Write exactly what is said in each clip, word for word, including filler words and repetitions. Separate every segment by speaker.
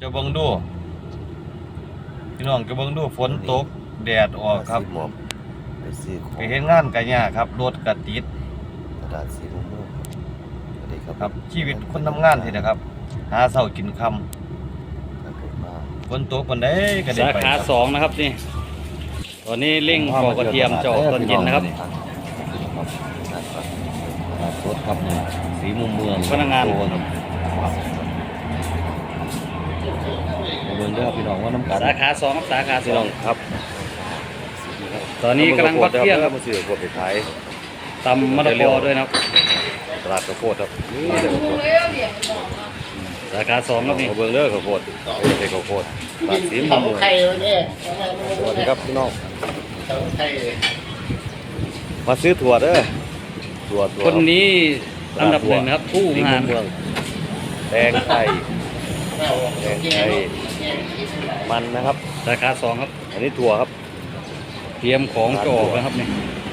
Speaker 1: จะเบิ่งดูพี่น้องจะเบิ่งดูฝนตกแดดออกครับ
Speaker 2: หมอบไปซื้อของ
Speaker 1: ไปเฮ็ดงานกันยากครับรถก็ติด
Speaker 2: ตลาดสีม่วงม่วงสวัสดีครับ
Speaker 1: ครับชีวิตคนทำงานที่นะครับ หาเช้ากินค่
Speaker 2: ครับผมมา
Speaker 1: ำฝนตกปานใดก็ได้
Speaker 3: สา
Speaker 1: ไป
Speaker 3: ขา
Speaker 1: ครับ
Speaker 3: สองนะครับนี่ตอนนี้เร่งปอกกระเทียมจะออกตอนเย็นนะครับ
Speaker 2: ครับครับ
Speaker 1: ตลาดสดครับนี่สีมุมเมือง
Speaker 3: พนักงาน
Speaker 1: โตครับมาเบิ่งเด้อพี่น้องว่าน้ำกัน
Speaker 3: สาขาสองครับสาขาส
Speaker 1: พี่
Speaker 3: อ
Speaker 1: น้อง งครับ
Speaker 3: ตอนนี้กำลังพักเที่ยงครับ
Speaker 1: มาซื้อขวดไปขาย
Speaker 3: ตำมะละกอด้วยนะครับ
Speaker 1: ตลาดข้าวโพดครับนี่เดี๋ยวข้าวโพด
Speaker 3: สาขาสองครับนี่
Speaker 1: มาเบิ่งเด้อข้าวโพดไม่ใช่ข้าวโพดตลาดสีมุมเมือง
Speaker 4: ไข่เนี่ย
Speaker 1: สวัสดีครับพี่น้อง
Speaker 4: ไข่
Speaker 1: มาซื้อถั่วเด้อถั่วถั่ว
Speaker 3: คนนี้อันดับหนึ่งนะครับผู้
Speaker 1: สี
Speaker 3: งา
Speaker 1: มุ
Speaker 3: น
Speaker 1: มเมืองแตงไทยแตงไทยมันนะครับ
Speaker 3: สาขาสองครับ
Speaker 1: อันนี้ถั่วครับ
Speaker 3: เตรียมของจะออกแล้วครับนี่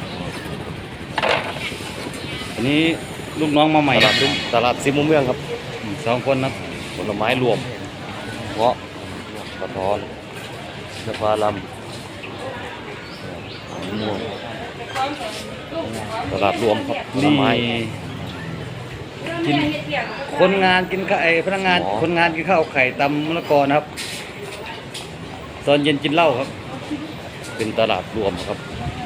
Speaker 3: อันนี้ลูกน้องมาใหม่
Speaker 1: ต
Speaker 3: ค
Speaker 1: ลา
Speaker 3: รั
Speaker 1: ด
Speaker 3: บ
Speaker 1: สีตลาดสีมุมเมืองครับ
Speaker 3: อืมสองคนครับ
Speaker 1: ผลไม้รวมเงาะกระท้อนสะพาลำมะม่วงตลาดรวมครับผล
Speaker 3: นี่
Speaker 1: ไม้
Speaker 3: กินคนงานกินข้าวไอ้พนักงาน
Speaker 1: หมอ
Speaker 3: คนงานกินข้าวไข่ตำมะละกอนะครับ ตอนเย็นกินเหล้าครับ
Speaker 1: เป็นตลาดรวมครับ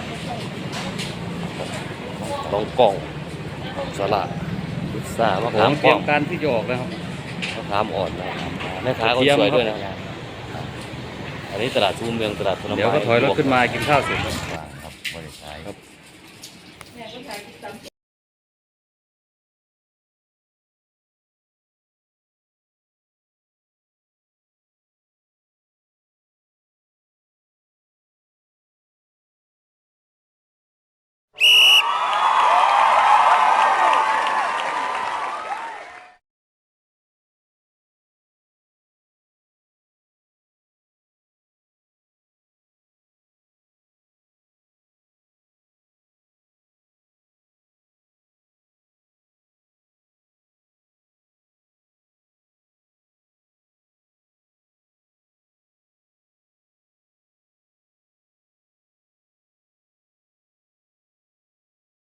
Speaker 1: ลองกล่องสลัดพิซซ่ามะ
Speaker 3: ขอ
Speaker 1: ขาง ม
Speaker 3: เตรี
Speaker 1: ป้
Speaker 3: ย
Speaker 1: อ
Speaker 3: ม
Speaker 1: ม
Speaker 3: การที่จะออกแล้วครับ
Speaker 1: มะขามอ่อนนะแม่ค้าก็
Speaker 3: กระเทียม
Speaker 1: สวย
Speaker 3: ครับ
Speaker 1: ด้วยนะอันนี้ตลาดซูมเมืองตลาดผลไม้
Speaker 3: เดี๋ยวก็ถอยรถขึ้นมากินข้าวเสร็จครับ
Speaker 1: ครับ